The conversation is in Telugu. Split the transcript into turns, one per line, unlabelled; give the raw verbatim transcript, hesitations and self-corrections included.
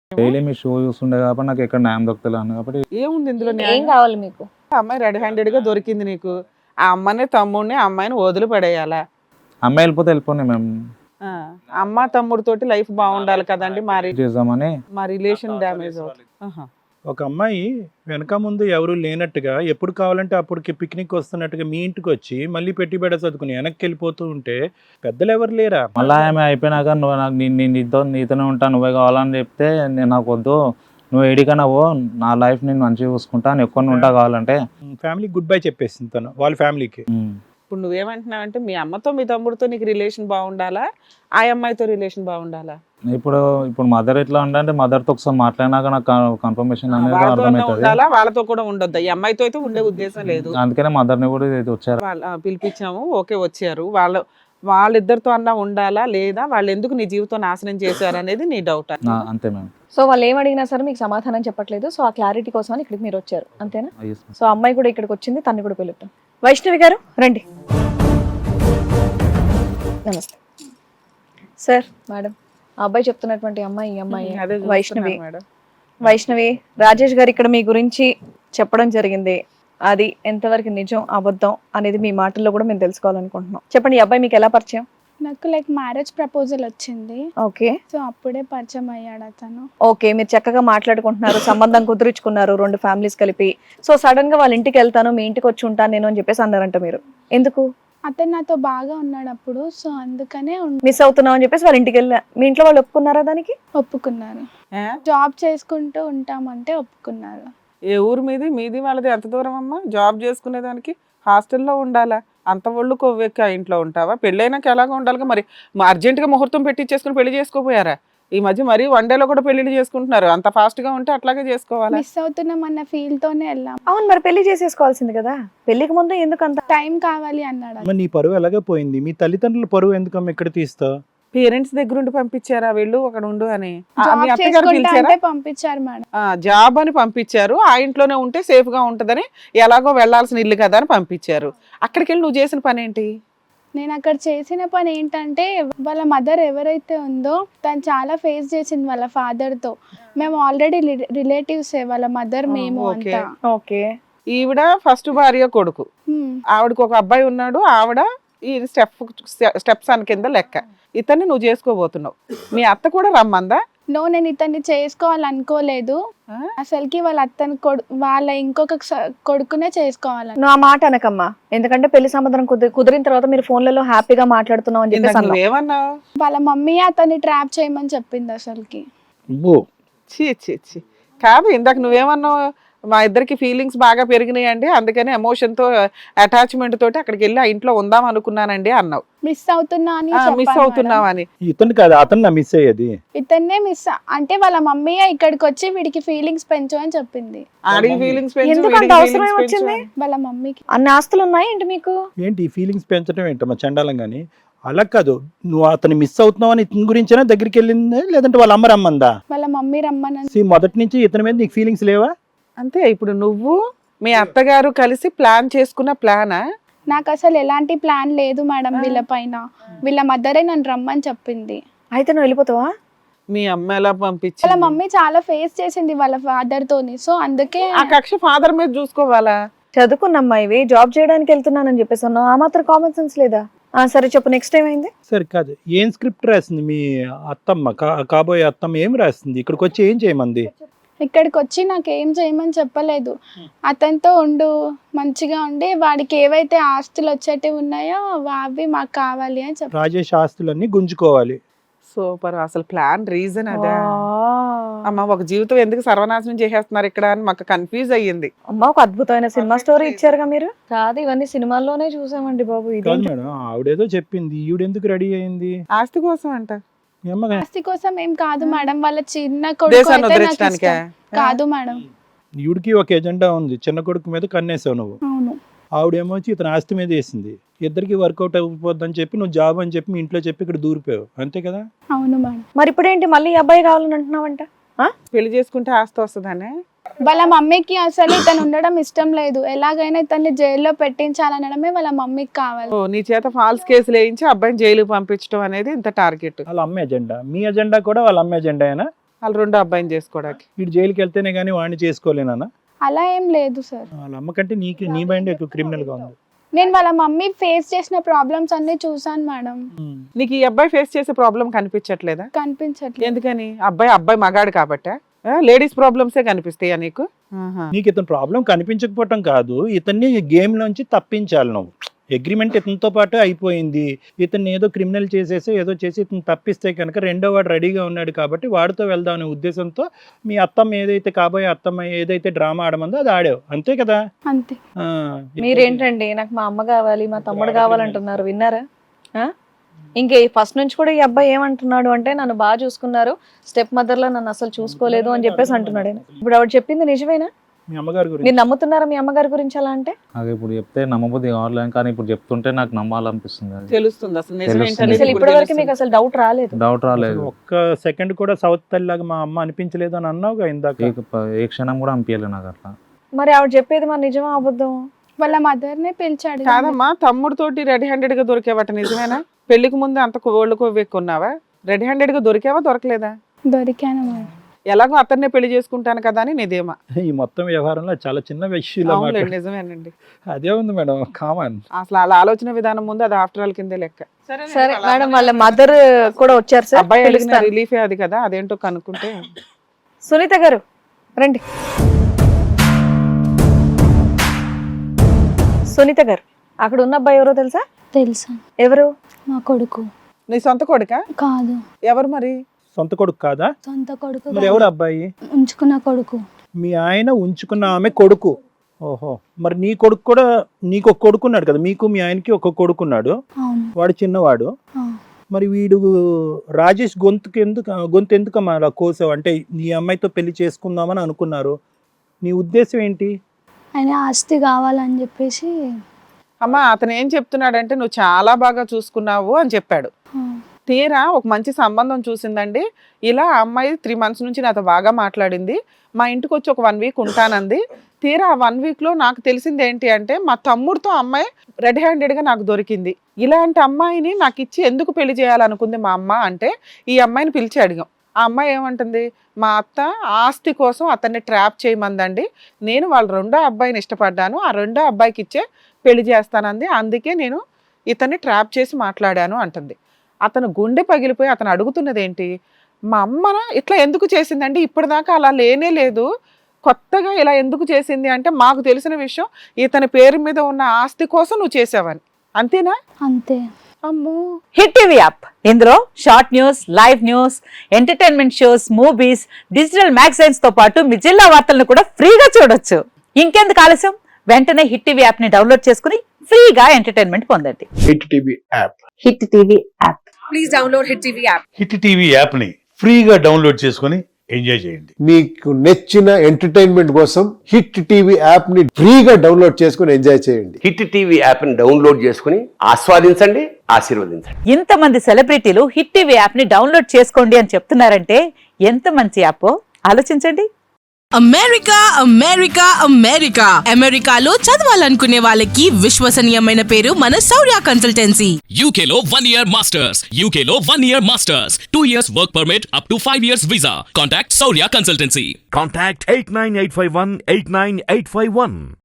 డైలీ మీ షో చూస్తుండే కాబట్టి నాకు ఎక్కడ న్యాయం దొరుకుతలేదు కాబట్టి
ఏముంది ఇందులో
ఏం
న్యాయం?
కావాలి మీకు?
ఆ అమ్మాయి రెడ్ హ్యాండెడ్ గా దొరికింది నీకు. ఆ అమ్మని తమ్ముడిని ఆ అమ్మాయిని వదిలి పడేయాలా?
అమ్మాయి వెళ్ళిపోతే వెళ్ళిపోయి మేము
ఆ, అమ్మ తమ్ముడితోటి లైఫ్ బాగుండాలి కదండి. మా రి-
చేద్దామని
మా రిలేషన్ డ్యామేజ్ అవుతుంది. ఆహా.
ఒక అమ్మాయి వెనక ముందు ఎవరు లేనట్టుగా ఎప్పుడు కావాలంటే అప్పటికి పిక్నిక్ వస్తున్నట్టుగా మీ ఇంటికి వచ్చి మళ్ళీ పెట్టి బెడ చదువుకుని వెనక్కి వెళ్ళిపోతూ ఉంటే పెద్దలు ఎవరు లేరా?
మళ్ళీ ఆమె అయిపోయినాక నువ్వు నాకు నీ- నీ- నీతో నీతోనే ఉంటా నువ్వే కావాలని చెప్తే నేను నాకు వద్దు, నువ్వు ఎడికన్నా పో, నా లైఫ్ నేను మంచిగా చూసుకుంటా, నేను ఎక్కువ ఉంటా కావాలంటే.
ఫ్యామిలీకి గుడ్ బై చెప్పేసింది తను వాళ్ళ ఫ్యామిలీకి.
ఉమ్.
ఇప్పుడు నువ్వేమంటున్నావు అంటే మీ అమ్మతో మీ తమ్ముడితో నీకు రిలేషన్ బాగుండాలా, ఆ అమ్మాయితో రిలేషన్ బాగుండాలా?
ఇప్పుడు ఇప్పుడు మదర్ ఎట్లా ఉంటే మదర్తో ఒకసారి మాట్లాడినాక నాకు కన్ఫర్మేషన్ అనేది
వాళ్ళతో
అర్థమవుతుంది.
ఉండాలా, వాళ్ళతో కూడా ఉండొద్దా? ఈ అమ్మాయితో అయితే ఉండే ఉద్దేశం లేదు.
అందుకనే మదర్ని కూడా ఇది వచ్చారు.
వాళ్ళ ఆ, పిలిపించాము, ఓకే వచ్చారు. వాళ్ళ వాళ్ళిద్దరితో అన్నా ఉండాలా లేదా వాళ్ళు ఎందుకు నీ జీవితం నాశనం చేశారు అనేది నీ డౌట్.
నా- అంతే మ్యామ్.
సో వాళ్ళు ఏం అడిగినా సరే మీకు సమాధానం చెప్పట్లేదు. సో ఆ క్లారిటీ కోసం ఇక్కడికి మీరు వచ్చారు అంతేనా?
Yes, ma'am.
సో అమ్మాయి కూడా ఇక్కడికి వచ్చింది, తన్ని కూడా పిలుద్దాం. వైష్ణవి గారు రండి. నమస్తే సార్. మేడం, ఆ అబ్బాయి చెప్తున్నటువంటి అమ్మాయి ఈ అమ్మాయి
అదే చూస్తున్నాను
వైష్ణవి.
మేడం.
వైష్ణవి, రాజేష్ గారు ఇక్కడ మీ గురించి చెప్పడం జరిగింది. అది ఎంతవరకు నిజం అబద్ధం అనేది మీ మాటల్లో కూడా మేము తెలుసుకోవాలనుకుంటున్నాం. చెప్పండి, ఈ అబ్బాయి మీకు ఎలా పరిచయం?
నాకు లైక్ మ్యారేజ్ ప్రపోజల్ వచ్చింది.
ఓకే
సో అప్పుడే పరిచయం అయ్యాడు అతను.
ఓకే, మీరు చక్కగా మాట్లాడుకుంటున్నారు, సంబంధం కుదుర్చుకున్నారు రెండు ఫ్యామిలీస్ కలిపి. సో సడన్ గా వాళ్ళ ఇంటికి వెళ్తాను, మీ ఇంటికి వచ్చి ఉంటాను నేను అని చెప్పేసి అన్నారంట. మీరు ఎందుకు
అతను నాతో బాగా ఉన్నాడు అప్పుడు, సో అందుకనే ఉన్-
మిస్ అవుతున్నావు అని చెప్పేసి వాళ్ళ ఇంటికి వెళ్ళా? మీ ఇంట్లో వాళ్ళు ఒప్పుకున్నారా దానికి?
ఒప్పుకున్నారు.
ఏ?
జాబ్ చేసుకుంటూ ఉంటామంటే ఒప్పుకున్నారు.
ఏ ఊరు మీది? మీది వాళ్ళది ఎంత దూరం అమ్మా? జాబ్ చేసుకునే దానికి హాస్టల్లో ఉండాలా? అంత ఒళ్ళు కొవ్వెక్కి ఆ ఇంట్లో ఉంటావా? పెళ్ళైనాక ఎలాగ ఉండాలిగా మరి. అర్జెంటుగా ముహూర్తం పెట్టించేసుకుని పెళ్లి చేసుకోపోయారా? ఈ మధ్య మరీ వన్ డేలో కూడా పెళ్లిళ్ళు చేసుకుంటున్నారు. అంత ఫాస్ట్ గా ఉంటే అట్లాగే చేసుకోవాలా?
మిస్ అవుతున్నాం అన్న ఫీల్ తోనే వెళ్ళాం.
అవును, మరి పెళ్లి చేసేసుకోవాల్సింది కదా. పెళ్లికి ముందు ఎందుకు అంత?
టైం కావాలి అన్నాడు.
అమ్మ, నీ పరువు ఎలాగే పోయింది. మీ తల్లిదండ్రుల పరువు ఎందుకమ్మ ఇక్కడ తీస్తావు?
పేరెంట్స్ దగ్గర ఉండి పంపించారా వెళ్ళు అక్కడ ఉండు అని? ఆ, మీ
జాబ్
అత్తగారు
చేసుకుంటా
పిలిచారా?
అంటే పంపించారు మేడం.
ఆ, జాబ్ అని పంపించారు. ఆ ఇంట్లోనే ఉంటే సేఫ్ గా ఉంటదని, ఎలాగో వెళ్లాల్సిన ఇల్లు కదా అని పంపించారు. అక్కడికి వెళ్ళి నువ్వు చేసిన పని ఏంటి?
నేను అక్కడ చేసిన పని ఏంటంటే, వాళ్ళ మదర్ ఎవరైతే ఉందో తను చాలా ఫేస్ చేసింది వాళ్ళ ఫాదర్ తో. మేము ఆల్రెడీ రిలేటివ్స్ వాళ్ళ మదర్ మేము
ఓకే.
అంతా.
ఓకే,
ఈవిడ ఫస్ట్ భార్య కొడుకు,
హ్మ్.
ఆవిడకి ఒక అబ్బాయి ఉన్నాడు. ఆవిడ ఈ స్టెప్ స్టెప్స్ అని కింద లెక్క. ఇతన్ని నువ్వు చేసుకోబోతున్నావు. మీ అత్త కూడా రమ్మందా?
నో, నేను ఇతన్ని చేసుకోవాలనుకోలేదు.
ఆ?
అసలుకి వాళ్ళ అత్తని కొడు వాళ్ళ ఇంకొక స- కొడుకునే చేసుకోవాలని.
నువ్వు ఆ మాట అనకమ్మా, ఎందుకంటే పెళ్లి సంబంధం కుదిరి కుదిరిన తర్వాత మీరు ఫోన్లలో హ్యాపీగా మాట్లాడుతున్నావు అని
ఇందాక
చెప్పేసి అన్నావు.
నువ్వేమన్నావు?
వాళ్ళ మమ్మీ అతన్ని ట్రాప్ చేయమని చెప్పింది అసలుకి.
చీ చీ చీ కాదు, ఇందాక నువ్వేమన్నావు? మా ఇద్దరికి ఫీలింగ్స్ బాగా పెరిగినాయి అండి, అందుకని ఎమోషన్ తో అటాచ్మెంట్ తోటి అక్కడికి వెళ్ళి ఆ ఇంట్లో ఉందాం అనుకున్నానండి అన్నావు.
మిస్ అవుతున్నా అని
మిస్
చెప్పాను
అవుతున్నావు
మేడం.
అని.
ఇతను కాదు, అతను నా మిస్ అయ్యేది.
ఇతన్నే మిస్ అంటే వాళ్ళ మమ్మీ ఇక్కడికి వచ్చి వీడికి ఫీలింగ్స్ పెంచు అని చెప్పింది.
ఆడికి ఫీలింగ్స్
ఎందుకు అంత అవసరం ఏమొచ్చింది?
వాళ్ళ మమ్మీకి
అన్ని ఆస్తులు ఉన్నాయి ఏంటి మీకు?
ఏంటి ఈ ఫీలింగ్స్ పెంచడం ఏంటమ్మా చండాలం కానీ? అలా కాదు, నువ్వు అతను మిస్ అవుతున్నావు అని ఇతని గురించేనా దగ్గరికి వెళ్ళిందా, లేదంటే వాళ్ళ అమ్మ రమ్మందా?
వాళ్ళ మమ్మీ రమ్మని.
See, మొదటి నుంచి ఇతని మీద నీకు ఫీలింగ్స్ లేవా?
అంతే. ఇప్పుడు నువ్వు మీ అత్తగారు కలిసి ప్లాన్ చేసుకున్న ప్లానా?
నాకు అసలు ఎలాంటి ప్లాన్ లేదు మేడం వీళ్ళ పైన. వీళ్ళ మదరే నన్ను రమ్మని చెప్పింది.
అయితే నువ్వు వెళ్ళిపోతావా?
మీ అమ్మ ఎలా
వాళ్ళ
పంపించింది?
మమ్మీ చాలా ఫేస్ చేసింది వాళ్ళ ఫాదర్ తోని, సో అందుకే.
ఆ కక్ష ఫాదర్ మీద చూసుకోవాలా?
చదువుకున్నమ్మా, ఇవి జాబ్ చేయడానికి వెళ్తున్నానని చెప్పేసి అన్నావు. ఆ మాత్రం కామన్ సెన్స్ లేదా? ఆ సరే చెప్పు, నెక్స్ట్ టైం అయింది.
సరే కాదు, ఏం స్క్రిప్ట్ రాసింది మీ అత్తమ్మ, కా- కాబోయే అత్తమ్మ ఏం రాసింది? ఇక్కడికి వచ్చి ఏం చేయమంది?
ఇక్కడికి వచ్చి నాకు ఏం చేయమని చెప్పలేదు. అతనితో ఉండు, మంచిగా ఉండి వాడికి ఏవైతే ఆస్తులు వచ్చేటివి ఉన్నాయో అవి మాకు కావాలి అని చెప్పి.
రాజేష్ ఆస్తులన్నీ గుంజుకోవాలి.
సూపర్. అసలు ప్లాన్ రీజన్ అదే. అమ్మ, ఒక జీవితం ఎందుకు సర్వనాశనం చేసేస్తున్నారు ఇక్కడ అని మాకు కన్ఫ్యూజ్ అయ్యింది.
అమ్మా, ఒక అద్భుతమైన సినిమా స్టోరీ ఇచ్చారుగా మీరు. కాదు, ఇవన్నీ సినిమాల్లోనే చూసామండి బాబు. ఇది
కాదు మేడం, ఆవిడేదో చెప్పింది, ఈవిడెందుకు రెడీ అయింది?
ఆస్తి కోసం అంట.
ఏమ్మగా
ఆస్తి కోసం ఏం కాదు మేడం, వాళ్ళ చిన్న కొడుకు
దేశాన్ని
అయితే నాకు
వదిలించడానికా?
ఇష్టం. కాదు మేడం.
ఈవిడికి ఒక ఎజెండా ఉంది, చిన్న కొడుకు మీద కన్నేసావు నువ్వు.
అవును.
ఆవిడేమో వచ్చి ఇతను ఆస్తి మీద వేసింది. ఇద్దరికి వర్కౌట్ అయిపోద్దని చెప్పి నువ్వు జాబ్ అని చెప్పి మీ ఇంట్లో చెప్పి ఇక్కడ దూరిపోయావు, అంతే కదా?
అవును మేడం.
మరి ఇప్పుడు ఏంటి, మళ్ళీ ఈ అబ్బాయి కావాలని అంటున్నావంట?
పెళ్లి చేసుకుంటే ఆస్తి వస్తుందనే.
వాళ్ళ మమ్మీకి అసలు ఇతను ఉండడం ఇష్టం లేదు. ఎలాగైనా ఇతన్ని జైల్లో పెట్టించాలనడమే వాళ్ళ మమ్మీకి కావాలి.
ఓ, నీ చేత ఫాల్స్ కేసులు వేయించి అబ్బాయిని జైలుకి పంపించడం అనేది ఇంత టార్గెట్.
వాళ్ళ అమ్మ ఎజెండా, మీ ఎజెండా కూడా వాళ్ళ అమ్మ ఎజెండాయేనా?
వాళ్ళ రెండో అబ్బాయిని చేసుకోవడానికి.
వీడు జైలుకి వెళ్తేనే కానీ వాడిని చేసుకోలేనా?
అలా ఏం లేదు సార్.
వాళ్ళ అమ్మ కంటే నీకు నీ మైండ్ ఎక్కువ క్రిమినల్ గా ఉంది.
నేను వాళ్ళ మమ్మీ ఫేస్ చేసిన ప్రాబ్లమ్స్ అన్ని చూసాను మేడం.
నీకు ఈ అబ్బాయి ఫేస్ చేసే ప్రాబ్లం కనిపించట్లేదా?
కనిపించట్లేదు.
ఎందుకని? అబ్బాయి అబ్బాయి మగాడు కాబట్టా? లేడీస్ ప్రాబ్లమ్సే కనిపిస్తాయా నీకు?
నీకు ఇతను ప్రాబ్లం కనిపించకపోవటం కాదు, ఇతన్ని గేమ్ లోంచి తప్పించాలి నువ్వు. అగ్రిమెంట్ ఇతనితో పాటు అయిపోయింది, ఇతన్ని ఏదో క్రిమినల్ చేసేసి ఏదో చేసి ఇతను తప్పిస్తే కనుక రెండో వాడు రెడీగా ఉన్నాడు కాబట్టి వాడితో వెళ్దాం అనే ఉద్దేశంతో మీ అత్తమ్మ ఏదైతే కాబోయే అత్తమ్మ ఏదైతే డ్రామా ఆడమందో అది ఆడావు, అంతే కదా?
అంతే.
ఆ,
మీరేంటండి నాకు మా అమ్మ కావాలి మా తమ్ముడు కావాలంటున్నారు, విన్నారా? ఆ? ఇంకే ఫస్ట్ నుంచి కూడా ఈ అబ్బాయి ఏమంటున్నాడు అంటే నన్ను బాగా చూసుకున్నారు, స్టెప్ మదర్ లో నన్ను అసలు చూసుకోలేదు అని చెప్పేసి అంటున్నాడు. ఇప్పుడు ఆవిడ చెప్పింది నిజమేనా?
మీ అమ్మగారి గురించి
మీరు నమ్ముతున్నారా మీ అమ్మగారి గురించి అలా అంటే?
నాకు ఇప్పుడు చెప్తే నమ్మబుద్ధి కావాలి, కానీ ఇప్పుడు చెప్తుంటే నాకు నమ్మాలనిపిస్తుంది. అది
తెలుస్తుంది అసలు నిజం
తెలుస్తుంది.
ఏంటనేది
అసలు
ఇప్పుడు
ఇప్పటి వరకు
తెలుస్తుంది.
మీకు అసలు డౌట్ రాలేదు?
డౌట్ రాలేదు.
ఒక్క సెకండ్ కూడా సౌత్ తల్లిలాగా మా అమ్మ అనిపించలేదు అని అన్నావుగా ఇందాక.
ఏ- ఏ క్షణం కూడా అనిపించలేదు నాకు అట్లా.
మరి ఆవిడ చెప్పేది మరి నిజమా అబద్ధం?
వాళ్ళ మదర్ నే పిలిచాడు.
కాదమ్మా, తమ్ముడితోటి రెడీ హ్యాండెడ్ గా దొరికేవట నిజమేనా? పెళ్లికి ముందు అంత కోళ్ళు కొవ్వెక్కున్నావా? రెడీ హ్యాండెడ్ గా దొరికావా దొరకలేదా?
దొరికాను మేడం.
ఎలాగో అతన్నే పెళ్లి చేసుకుంటాను కదా అని నీదేమా?
ఈ మొత్తం వ్యవహారంలో చాలా చిన్న విషయం
అవునండి, నిజమేనండి.
అదే ఉంది మేడం, కామన్.
అసలు అలా ఆలోచన విధానం ముందు అది ఆఫ్టర్ ఆల్ కిందే లెక్క.
సరే మేడం, వాళ్ళ మదర్ కూడా వచ్చారు సార్,
అబ్బాయి అడిగిన
పిలుస్తాను.
రిలీఫే అది కదా, అదేంటో కనుక్కుంటే.
సునీత గారు రండి. సునీత గారు, అక్కడ ఉన్న అబ్బాయి ఎవరో తెలుసా?
తెలుసా?
ఎవరు?
మా కొడుకు.
నీ సొంత కొడుకా?
కాదు.
ఎవరు మరి?
సొంత కొడుకు కాదా?
సొంత కొడుకు
మరి
కాదు.
ఎవరు అబ్బాయి?
ఉంచుకున్న కొడుకు.
మీ ఆయన ఉంచుకున్న ఆమె కొడుకు. ఓహో, మరి నీ కొడుకు కూడా, నీకు ఒక కొడుకున్నాడు కదా, మీకు మీ ఆయనకి ఒక కొడుకున్నాడు,
అవును.
వాడు చిన్నవాడు.
ఆ.
మరి వీడు రాజేష్ గొంతుకు ఎందుకు గొంతు ఎందుకమ్మా అలా కోసావు? అంటే నీ అమ్మాయితో పెళ్లి చేసుకుందామని అనుకున్నారు, నీ ఉద్దేశం ఏంటి?
ఆయన ఆస్తి కావాలని చెప్పేసి.
అమ్మా, అతను ఏం చెప్తున్నాడంటే నువ్వు చాలా బాగా చూసుకున్నావు అని చెప్పాడు.
ఆ,
తీరా ఒక మంచి సంబంధం చూసిందండి. ఇలా ఆ అమ్మాయి త్రీ మంత్స్ నుంచి నాతో బాగా మాట్లాడింది, మా ఇంటికి వచ్చి ఒక వన్ వీక్ ఉంటానంది. తీరా ఆ వన్ వీక్లో నాకు తెలిసింది ఏంటి అంటే మా తమ్ముడితో అమ్మాయి రెడ్ హ్యాండెడ్గా నాకు దొరికింది. ఇలాంటి అమ్మాయిని నాకు ఇచ్చి ఎందుకు పెళ్లి చేయాలనుకుంది మా అమ్మ అంటే ఈ అమ్మాయిని పిలిచి అడిగాం. ఆ అమ్మాయి ఏమంటుంది, మా అత్త ఆస్తి కోసం అతన్ని ట్రాప్ చేయమందండి, నేను వాళ్ళ రెండో అబ్బాయిని ఇష్టపడ్డాను, ఆ రెండో అబ్బాయికి ఇచ్చే పెళ్లి చేస్తానంది, అందుకే నేను ఇతన్ని ట్రాప్ చేసి మాట్లాడాను అంటుంది. అతను గుండె పగిలిపోయి అతను అడుగుతున్నది ఏంటి, మా అమ్మ ఇట్లా ఎందుకు చేసిందండి, ఇప్పటిదాకా అలా లేనే లేదు, కొత్తగా ఇలా ఎందుకు చేసింది అంటే మాకు తెలిసిన విషయం ఇతని పేరు మీద ఉన్న ఆస్తి కోసం నువ్వు చేసావని. అంతేనా?
అంతే.
అమ్మో.
హిట్ టీవీ యాప్, ఇందులో short news, live news, entertainment shows, movies, digital magazines తో పాటు మీ జిల్లా వార్తలను కూడా ఫ్రీగా చూడొచ్చు. ఇంకెందుకు ఆలస్యం, వెంటనే హిట్ టీవీ యాప్ ని డౌన్లోడ్ చేసుకుని ఫ్రీగా ఎంటర్టైన్మెంట్ పొందండి.
Hit TV app.
Hit TV app.
Please download hit TV app.
Hit TV app ని ఫ్రీగా డౌన్లోడ్ చేసుకొని ఎంజాయ్ చేయండి.
మీకు నచ్చిన ఎంటర్టైన్మెంట్ కోసం హిట్ టీవీ యాప్ ని ఫ్రీగా డౌన్లోడ్ చేసుకుని ఎంజాయ్ చేయండి.
హిట్ టీవీ యాప్ ని డౌన్లోడ్ చేసుకుని ఆస్వాదించండి, ఆశీర్వదించండి.
ఇంతమంది సెలబ్రిటీలు హిట్ టీవీ యాప్ ని డౌన్లోడ్ చేసుకోండి అని చెప్తున్నారంటే ఎంత మంచి యాప్ ఆలోచించండి.
అమెరికా అమెరికా అమెరికా అమెరికాలో చదవాలనుకునే వాళ్ళకి విశ్వసనీయమైన పేరు మన శౌర్య కన్సల్టెన్సీ.
యూకేలో వన్ ఇయర్ మాస్టర్స్, యూకేలో one year masters, two years work permit, up to five years visa. Contact Shaurya consultancy.
Contact eight nine eight five one eight nine eight five one.